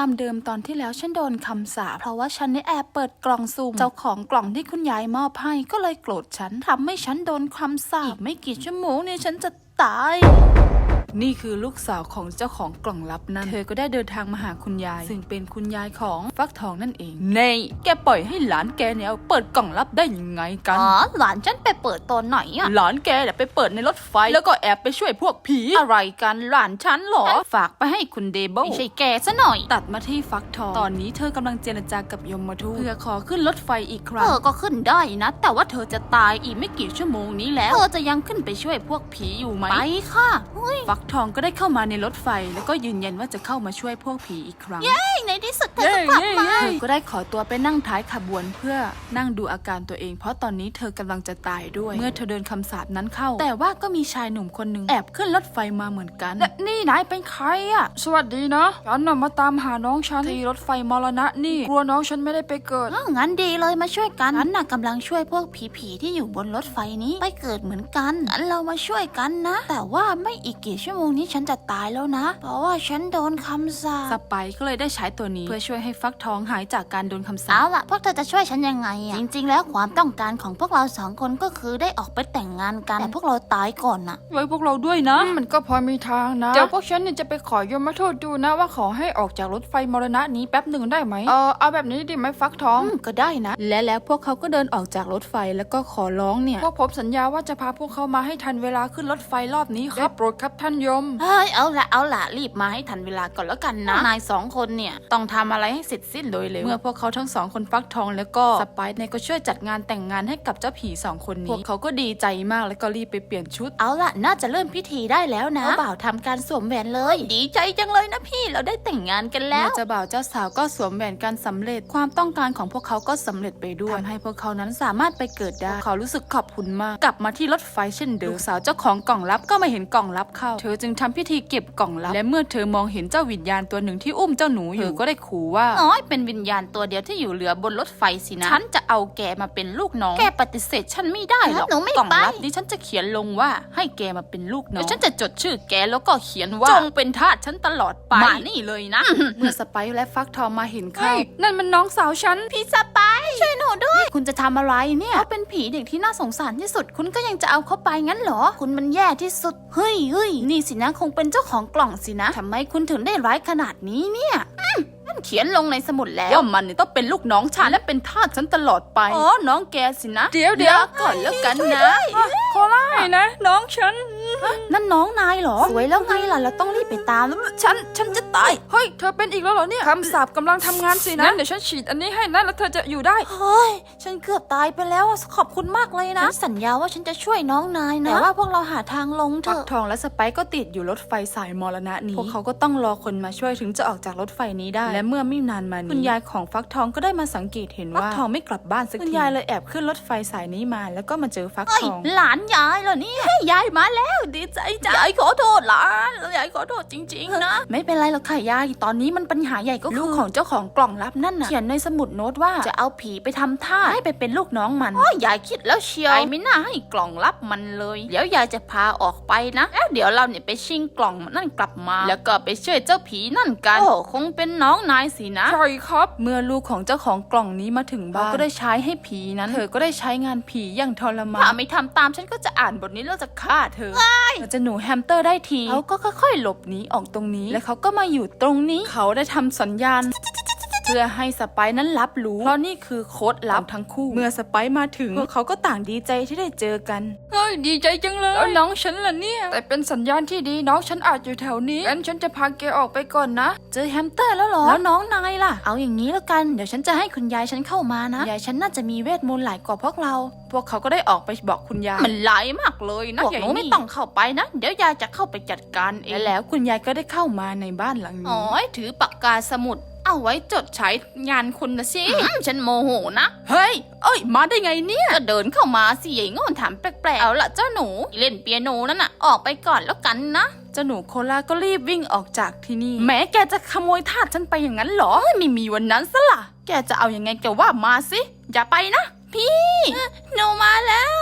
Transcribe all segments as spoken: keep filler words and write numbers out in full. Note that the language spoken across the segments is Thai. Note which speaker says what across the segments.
Speaker 1: ามเดิมตอนที่แล้วฉันโดนคำสาปเพราะว่าฉันได้แอบเปิดกล่องสุ่มเจ้าของกล่องที่คุณยายมอบให้ก็เลยโกรธฉันทำให้ฉันโดนคำสาปอีกไม่กี่ชั่วโมงเนี่ยฉันจะตายนี่คือลูกสาวของเจ้าของกล่องลับนั้นเธอก็ได้เดินทางมาหาคุณยายซึ่งเป็นคุณยายของฟักทองนั่นเองเนยแกปล่อยให้หลานแกเนี่ยเปิดกล่องลับได้ยังไงกัน
Speaker 2: อ๋อหลานฉันไปเปิดตอนไหนอะ
Speaker 1: หลานแกเนี่ยไปเปิดในรถไฟแล้วก็แอบไปช่วยพวกผี
Speaker 2: อะไรกันหลานฉันเหรอฝากไปให้คุณเดเบิลไม่ใช่แกซะหน่อย
Speaker 1: ตัดมาที่ฟักทองตอนนี้เธอกำลังเจรจากับยมทูตเพื่อขอขึ้นรถไฟอีกครั้ง
Speaker 2: เธอก็ขึ้นได้นะแต่ว่าเธอจะตายอีกไม่กี่ชั่วโมงนี้แล้วเธอจะยังขึ้นไปช่วยพวกผีอยู่ไหมไปค่ะ
Speaker 1: ฟักทองก็ได้เข้ามาในรถไฟแล้วก็ยืนยันว่าจะเข้ามาช่วยพวกผีอีกครั้ง
Speaker 2: เย้ในที่สุดเธอก็กลับมา
Speaker 1: เธอก็ได้ขอตัวไปนั่งท้ายขบวนเพื่อนั่งดูอาการตัวเองเพราะตอนนี้เธอกำลังจะตายด้วยเมื่อเธอเดินคำสาปนั้นเข้าแต่ว่าก็มีชายหนุ่มคนหนึ่งแอบขึ้นรถไฟมาเหมือนกัน
Speaker 2: นี่นายเป็นใครอะ
Speaker 1: สวัสดีนะฉันน่ะมาตามหาน้องฉันที่รถไฟมรณะนี่กลัวน้องฉันไม่ได้ไปเกิด
Speaker 2: งั้นดีเลยมาช่วยกันฉันน่ะกำลังช่วยพวกผีๆที่อยู่บนรถไฟนี้ไปเกิดเหมือนกันงั้นเรามาช่วยกันนะแต่ว่าไม่อีกกี่ชั่วโมงนี้ฉันจะตายแล้วนะเพราะว่าฉันโดนคำสาป
Speaker 1: สไปก็เลยได้ใช้ตัวนี้เพื่อช่วยให้ฟักทองหายจากการโดนคำสาป
Speaker 2: เอาล่ะพวกเธอจะช่วยฉันยังไงอะจริงๆแล้วความต้องการของพวกเราสองคนก็คือได้ออกไปแต่งงานกันแต่พวกเราตายก่อนน่ะ
Speaker 1: ไว้พวกเราด้วยนะมันก็พอมีทางนะเดี๋ยวพวกฉันเนี่ยจะไปขอยมทูตดูนะว่าขอให้ออกจากรถไฟมรณะนี้แป๊บหนึ่งได้ไหมเออเอาแบบนี้ดีไหมฟักทอง
Speaker 2: ก็ได้นะ
Speaker 1: และแล้วพวกเขาก็เดินออกจากรถไฟแล้วก็ขอร้องเนี่ยพวกผมสัญญาว่าจะพาพวกเขามาให้ทันเวลาขึ้นรถไฟรอบนี้ครับโปรดครับท่านยม
Speaker 2: เฮ้ยเอาละเอาละรีบมาให้ทันเวลาก่อนแล้วกันนะนายสองคนเนี่ยต้องทำอะไรให้เสร็จสิ้นโดยเร็ว
Speaker 1: เมื่อพวกเขาทั้งสองคนฟักทองแล้วก็สไปซ์เนี่ยก็ช่วยจัดงานแต่งงานให้กับเจ้าผีสองคนนี้พวกเขาก็ดีใจมากแล้วก็รีบไปเปลี่ยนชุด
Speaker 2: เอาละน่าจะเริ่มพิธีได้แล้วนะบ่าวทำการสวมแหวนเลยดีใจจังเลยนะพี่เราได้แต่งงานกันแล้ว
Speaker 1: เจ้าบ่าวเจ้าสาวก็สวมแหวนกันสำเร็จความต้องการของพวกเขาก็สำเร็จไปด้วยทำให้พวกเขานั้นสามารถไปเกิดได้เขารู้สึกขอบคุณมากกลับมาที่รถไฟเช่นเดิมลูกสาวเจ้าของกล่องลับก็มาเห็นกล่องลับเข้าเธอจึงทำพิธีเก็บกล่องลับและเมื่อเธอมองเห็นเจ้าวิญญาณตัวหนึ่งที่อุ้มเจ้าหนูอยู่เธอก็ได้ขู่ว่า
Speaker 2: อ๋อเป็นวิญญาณตัวเดียวที่อยู่เหลือบนรถไฟสินะฉันจะเอาแกมาเป็นลูกน้องแกปฏิเสธฉันไม่ได้หรอก
Speaker 1: กล่องลับนี้ฉันจะเขียนลงว่าให้แกมาเป็นลูกน้องฉันจะจดชื่อแกแล้วก็เขียนว่าจงเป็นทาสฉันตลอดไป
Speaker 2: มานี่เลยนะ
Speaker 1: เมื่อสไปซ์และฟักทองมาเห็นเข้านั่นมันน้องสาวฉัน
Speaker 2: พี่สไปซ์ช่วยหนูด้วยคุณจะทำอะไรเนี่ยเขาเป็นผีเด็กที่น่าสงสารที่สุดคุณก็ยังจะเอาเขาไปงั้นเหรอคุณมันแย่ที่สุดเฮ้ยเฮ้ยนี่สินะคงเป็นเจ้าของกล่องสินะทำไมคุณถึงได้ร้ายขนาดนี้เนี่ยนั่นเขียนลงในสมุดแล้ว
Speaker 1: ว่ามันต้องเป็นลูกน้องฉันและเป็นทาสฉันตลอดไป
Speaker 2: อ๋อน้องแกสินะ
Speaker 1: เดี๋ยวเดี๋ยว
Speaker 2: ก่อนแล้วกันนะ
Speaker 1: โคล่านะน้องฉัน
Speaker 2: นั่นน้องนายเหรอสวยแล้วไงล่ะเราต้องรีบไปตามแล้วฉันฉันจะตาย
Speaker 1: เฮ้ยเธอเป็นอีกแล้วเหรอเนี่ยคำสาปกำลังทำงานสินะเดี๋ยวฉันฉีดอันนี้ให้นะแล้วเธอจะอยู่ได้
Speaker 2: เฮ้ยฉันเกือบตายไปแล้วขอบคุณมากเลยนะฉันสัญญาว่าฉันจะช่วยน้องนายนะแต่ว่าพวกเราหาทางลงเถอะ
Speaker 1: ฟักทองและสไปซ์ก็ติดอยู่รถไฟสายมรณะนี้พวกเขาก็ต้องรอคนมาช่วยถึงจะออกจากรถไฟนี้ได้และเมื่อไม่นานมานี้คุณยายของฟักทองก็ได้มาสังเกตเห็นว่าฟักทองไม่กลับบ้านสักทีคุณยายเลยแอบขึ้นรถไฟสายนี้มาแล้วก็มาเจอฟักทอง
Speaker 2: หลานยายเหรอเนี่ยยายมาแล้วดีใจจังยายขอโทษหลานยายขอโทษจริงๆนะ
Speaker 1: ไม่เป็นไรหรอกค่ะยายตอนนี้มันปัญหาใหญ่ก็คือลูกของเจ้าของกล่องลับนั่นน่ะเขียนในสมุดโน้ตว่าจะเอาผีไปทำท่าให้ไปเป็นลูกน้องมัน
Speaker 2: อ๋อยายคิดแล้วเชียวไม่น่าให้กล่องลับมันเลยเดี๋ยวยายจะพาออกไปนะแล้วเดี๋ยวเราเนี่ยไปชิงกล่องนั่นกลับมาแล้วก็ไปช่วยเจ้าผีนั่นกันโอ้คงเป็นน้องนายสินะ
Speaker 1: ใช่ครับเมื่อลูกของเจ้าของกล่องนี้มาถึงบ้านก็ได้ใช้ให้ผีนั้นเธอก็ได้ใช้งานผีอย่างทรมาน
Speaker 2: ถ้าไม่ทำตามฉันก็จะอ่านบทนี้แล้วจะฆ่าเธอ
Speaker 1: เราจะหนูแฮมสเตอร์ได้ทีเขาก็ค่อยๆหลบหนีออกตรงนี้และเขาก็มาอยู่ตรงนี้เขาได้ทำสัญญาณเพื่อให้สไปซ์นั้นรับรู้เพราะนี่คือโค้ดลับทั้งคู่เมื่อสไปซ์มาถึงพวกเขาก็ต่างดีใจที่ได้เจอกันเฮ้ยดีใจจังเลยแล้วน้องฉันล่ะเนี่ยแต่เป็นสัญญาณที่ดีน้องฉันอาจอยู่แถวนี้งั้นฉันจะพาแกออกไปก่อนนะ
Speaker 2: เจอแฮมสเตอร์แล้วเหรอแล้วน้องนายล่ะเอาอย่างนี้แล้วกันเดี๋ยวฉันจะให้คุณยายฉันเข้ามานะยายฉันน่าจะมีเวทมนต์หลายกว่าพวกเรา
Speaker 1: พวกเขาก็ได้ออกไปบอกคุณยาย
Speaker 2: มันหลายมากเลยนะพวกหนูไม่ต้องเข้าไปนะเดี๋ยวยายจะเข้าไปจัดการเอง
Speaker 1: แล้วคุณยายก็ได้เข้ามาในบ้านหลังนี้
Speaker 2: อ๋อถือปากกาสมุดเอาไว้จดใช้งานคุณนะสิฉันโมโหนะ
Speaker 1: เฮ้ยเอ้ยมาได้ไงเนี่ย
Speaker 2: ก็เดินเข้ามาสิยายงอนถามแปลกๆเอาละเจ้าหนูเล่นเปียโนนั่นน่ะออกไปก่อนแล้วกันนะ
Speaker 1: เจ้าหนูโคล่าก็รีบวิ่งออกจากที่นี่แม้แกจะขโมยทาสฉันไปอย่างนั้นเหรอไม่มีวันนั้นซะล่ะแกจะเอายังไงแกว่ามาสิอย่าไปนะ
Speaker 2: พี่หนูมาแล้ว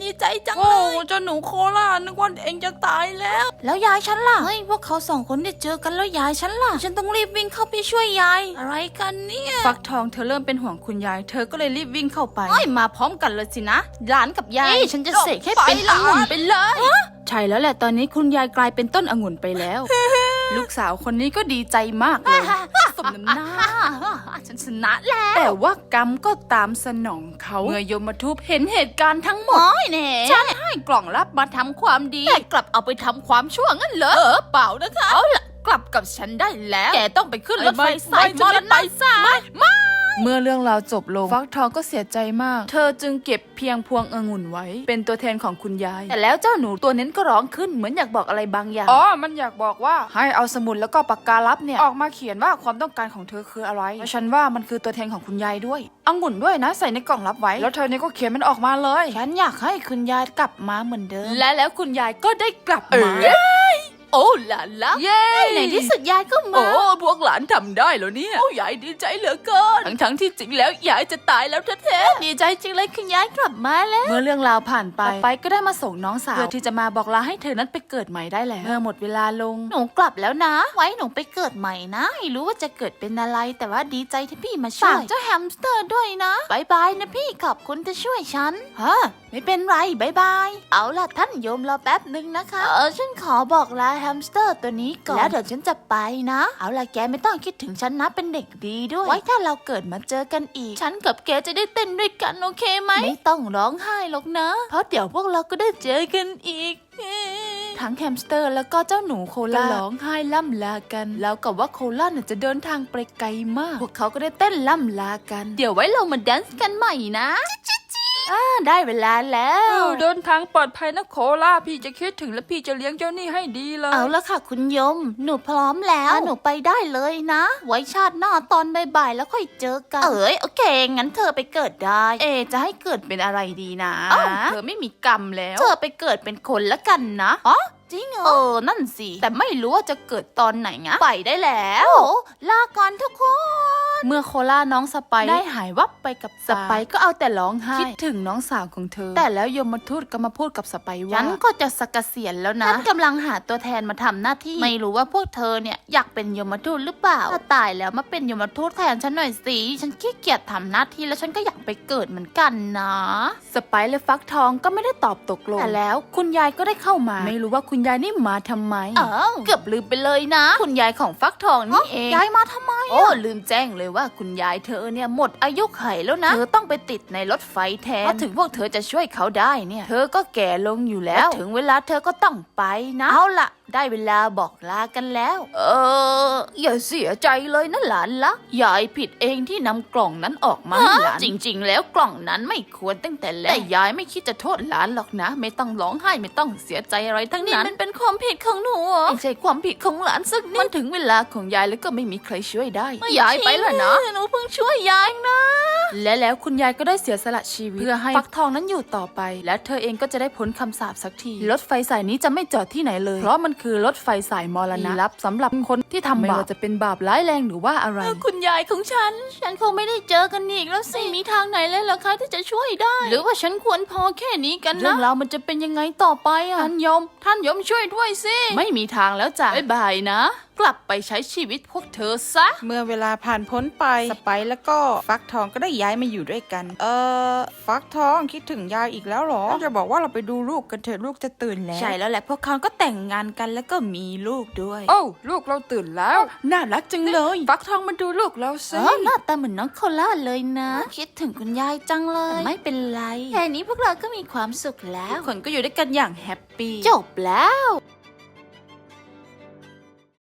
Speaker 1: ดีใจจังเลยโอ้เจ้าหนูโคล่านึกว่าเองจะตายแล้วแล้วยายฉันล่ะเฮ้ยพวกเขาสองคนได้เจอกันแล้วยายฉันล่ะฉันต้องรีบวิ่งเข้าไปช่วยยายอะไรกันเนี่ยฟักทองเธอเริ่มเป็นห่วงคุณยายเธอก็เลยรีบวิ่งเข้าไปเฮ้ยมาพร้อมกันเลยสินะหลานกับยายฉันจะเสกให้เป็นองุ่นไปเลยใช่แล้วแหละตอนนี้คุณยายกลายเป็นต้นองุ่นไปแล้ว ลูกสาวคนนี้ก็ดีใจมากเลยสมน้ำหน้าฉันชนะแล้วแต่ว่ากรรมก็ตามสนองเขาเมื่อยมทูตเห็นเหตุการณ์ทั้งหมดฉันให้กล่องลับมาทำความดีแต่กลับเอาไปทำความชั่วงั้นเหรอเออเปล่านะคะเอาล่ะกลับกับฉันได้แล้วแกต้องไปขึ้นรถไฟสายมรณะไม่ไม่เมื่อเรื่องราวจบลงฟักทองก็เสียใจมากเธอจึงเก็บเพียงพวงองุ่นไว้เป็นตัวแทนของคุณยายแต่แล้วเจ้าหนูตัวนั้นก็ร้องขึ้นเหมือนอยากบอกอะไรบางอย่างอ๋อมันอยากบอกว่าให้เอาสมุดแล้วก็ปากกาลับเนี่ยออกมาเขียนว่าความต้องการของเธอคืออะไรและฉันว่ามันคือตัวแทนของคุณยายด้วยองุ่นด้วยนะใส่ในกล่องลับไว้แล้วเธอเนี่ยก็เขียนมันออกมาเลยฉันอยากให้คุณยายกลับมาเหมือนเดิมและแล้วคุณยายก็ได้กลับมาโอ้หลานละเย้ในที่สุดยายก็มาโอ้พวกหลานทำได้แล้วเนี่ยโอ้ยายดีใจเหลือเกินทั้งทั้งที่จริงแล้วยายจะตายแล้วแท้ๆดีใจจริงเลยคุณยายกลับมาแล้วเมื่อเรื่องราวผ่านไปไปก็ได้มาส่งน้องสาวเพื่อที่จะมาบอกลาให้เธอนั้นไปเกิดใหม่ได้แล้วเมื่อหมดเวลาลงหนูกลับแล้วนะไว้หนูไปเกิดใหม่นะไม่รู้ว่าจะเกิดเป็นอะไรแต่ว่าดีใจที่พี่มาช่วยฝากเจ้าแฮมสเตอร์ด้วยนะบายบายนะพี่ขอบคุณที่ช่วยฉันฮะไม่เป็นไรบายบายเอาล่ะท่านโยมรอแป๊บนึงนะคะเออฉันขอบอกลาแฮมสเตอร์ตัวนี้ก่อนแล้วเดี๋ยวฉันจะไปนะเอาล่ะแกไม่ต้องคิดถึงฉันนะเป็นเด็กดีด้วยไว้ถ้าเราเกิดมาเจอกันอีกฉันกับแกจะได้เต้นด้วยกันโอเคไหมไม่ต้องร้องไห้หรอกนะเพราะเดี๋ยวพวกเราก็ได้เจอกันอีกทั้งแฮมสเตอร์แล้วก็เจ้าหนูโคล่าร้องไห้ล่ำลากันแล้วกับว่าโคล่าเนี่ยจะเดินทางไปไกลมากพวกเขาก็ได้เต้นล่ำลากันเดี๋ยวไว้เรามาแดนซ์กันใหม่นะอ่าได้เวลาแล้วเดินทางปลอดภัยนะโคล่าพี่จะคิดถึงและพี่จะเลี้ยงเจ้านี่ให้ดีเลยเอาละค่ะคุณยมหนูพร้อมแล้วหนูไปได้เลยนะไว้ชาติหน้าตอนบ่ายๆแล้วค่อยเจอกันเอ๋ยโอเคงั้นเธอไปเกิดได้เอจะให้เกิดเป็นอะไรดีนะเธอไม่มีกรรมแล้วเธอไปเกิดเป็นคนละกันนะอ๋อจริงเหรอเออนั่นสิแต่ไม่รู้ว่าจะเกิดตอนไหนไงไปได้แล้วลาก่อนทุกคนเมื่อโคล่าน้องสไปได้หายวับไปกับสไปก็เอาแต่ร้องไห้คิดถึงน้องสาวของเธอแต่แล้วยมทูตก็มาพูดกับสไปว่าฉันก็จะสักเกษียณแล้วนะฉันกำลังหาตัวแทนมาทำหน้าที่ไม่รู้ว่าพวกเธอเนี่ยอยากเป็นยมทูตหรือเปล่าถ้าตายแล้วมาเป็นยมทูตแทนฉันหน่อยสิฉันขี้เกียจทำหน้าที่แล้วฉันก็อยากไปเกิดเหมือนกันนะสไปและฟักทองก็ไม่ได้ตอบตกลงแต่แล้วคุณยายก็ได้เข้ามาไม่รู้ว่าคุณยายนี่มาทำไมเออเกือบลืมไปเลยนะคุณยายของฟักทองนี่เองยายมาทำไมโอ้ลืมแจ้งเลยว่าคุณยายเธอเนี่ยหมดอายุไขแล้วนะเธอต้องไปติดในรถไฟแทนเพราะถึงพวกเธอจะช่วยเขาได้เนี่ยเธอก็แก่ลงอยู่แล้วถึงเวลาเธอก็ต้องไปนะเอาล่ะได้เวลาบอกลากันแล้วเอออย่าเสียใจเลยนะหลานละยายผิดเองที่นำกล่องนั้นออกมาให้หลานจริงๆแล้วกล่องนั้นไม่ควรตั้งแต่แรกแต่ยายไม่คิดจะโทษหลานหรอกนะไม่ต้องร้องไห้ไม่ต้องเสียใจอะไรทั้งนั้นนี่มันเป็นความผิดของหนูไม่ใช่ความผิดของหลานสักนิดมันถึงเวลาของยายแล้วก็ไม่มีใครช่วยได้ยายไปแล้วนะหนูเพิ่งช่วยยายนะและแล้วคุณยายก็ได้เสียสละชีวิตเพื่อให้ฟักทองนั้นอยู่ต่อไปและเธอเองก็จะได้พ้นคำสาปสักทีรถไฟสายนี้จะไม่จอดที่ไหนเลยเพราะมันคือรถไฟสายมรณะลับสำหรับคนที่ทำบาปไม่ว่าจะเป็นบาปร้ายแรงหรือว่าอะไรคุณยายของฉันฉันคงไม่ได้เจอกันอีกแล้วสิมีทางไหนเลยเหรอคะที่จะช่วยได้หรือว่าฉันควรพอแค่นี้กันนะเรื่องราวมันจะเป็นยังไงต่อไปอ่ะท่านยมท่านยมช่วยด้วยสิไม่มีทางแล้วจ้ะบ๊ายบายนะกลับไปใช้ชีวิตพวกเธอซะ
Speaker 3: เมื่อเวลาผ่านพ้นไปสไปแล้วก็ฟักทองก็ได้ย้ายมาอยู่ด้วยกันเออฟักทองคิดถึงยายอีกแล้วหรอจะบอกว่าเราไปดูลูกกันเถอะลูกจะตื่นแล้ว
Speaker 1: ใช่แล้วแหละพวกเขาก็แต่งงานกันแล้วก็มีลูกด้วย
Speaker 3: โอ้ลูกเราตื่นแล้ว
Speaker 1: น่ารักจังเลย
Speaker 3: ฟักทองมาดูลูกเราสิ
Speaker 1: หน้าตาเหมือนน้องโคล่าเลยนะคิดถึงคุณยายจังเลยไม่เป็นไรแค่นี้พวกเราก็มีความสุขแล้วคนก็อยู่ด้วยกันอย่างแฮปปี้จบแล้ว